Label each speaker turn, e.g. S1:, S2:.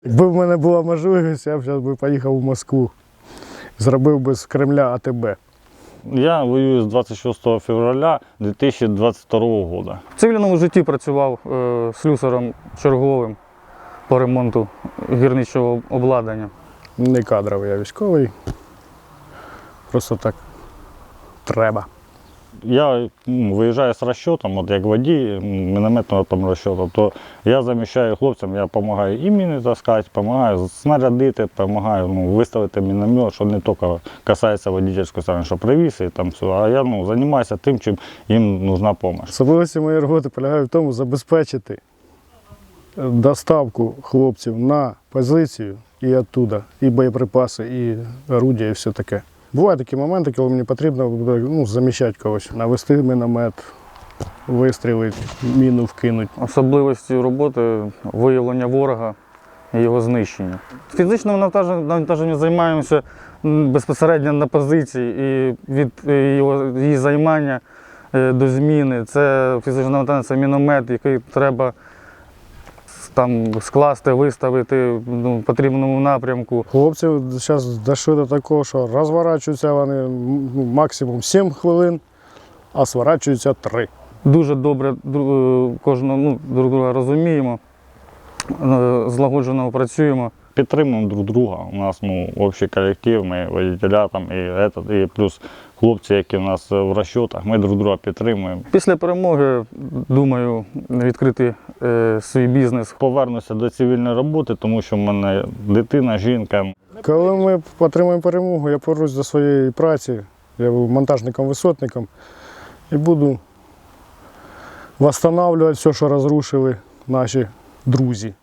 S1: Якби в мене була можливість, я б зараз поїхав у Москву. Зробив би з Кремля АТБ.
S2: Я воюю з 26 февраля 2022 року.
S3: В цивільному житті працював слюсарем черговим по ремонту гірничого обладнання.
S1: Не кадровий, я військовий. Просто так треба.
S2: Я виїжджаю з розчетом, от як водій мінометного там розчету, то я заміщаю хлопцям, я допомагаю і міни таскати, допомагаю снарядити, допомагаю виставити міномет, що не тільки касається водійської сторони, що привіз і там все, а я займаюся тим, чим їм потрібна допомога.
S1: Особливості моєї роботи полягають в тому, забезпечити доставку хлопців на позицію і оттуда, і боєприпаси, і орудія, і все таке. Бувають такі моменти, коли мені потрібно заміщати когось, навести міномет, вистрілити, міну вкинути.
S3: Особливості роботи – виявлення ворога і його знищення. Фізичним навантаженням займаємося безпосередньо на позиції і від її займання до зміни. Це фізичне навантаження, це міномет, який треба там скласти, виставити в потрібному напрямку.
S1: Хлопці зараз дійшли до такого, що розворачуються вони максимум 7 хвилин, а сворачуються 3.
S3: Дуже добре кожного друг друга розуміємо, злагоджено працюємо.
S2: Підтримуємо друг друга. У нас общий колектив, ми водителя там, і плюс хлопці, які у нас в розчетах, ми друг друга підтримуємо.
S3: Після перемоги, думаю, відкрити свій бізнес.
S1: Повернуся
S2: до цивільної роботи, тому що в мене дитина, жінка.
S1: Коли ми отримаємо перемогу, я повернусь до своєї праці, я був монтажником-висотником і буду відновлювати все, що розрушили наші друзі.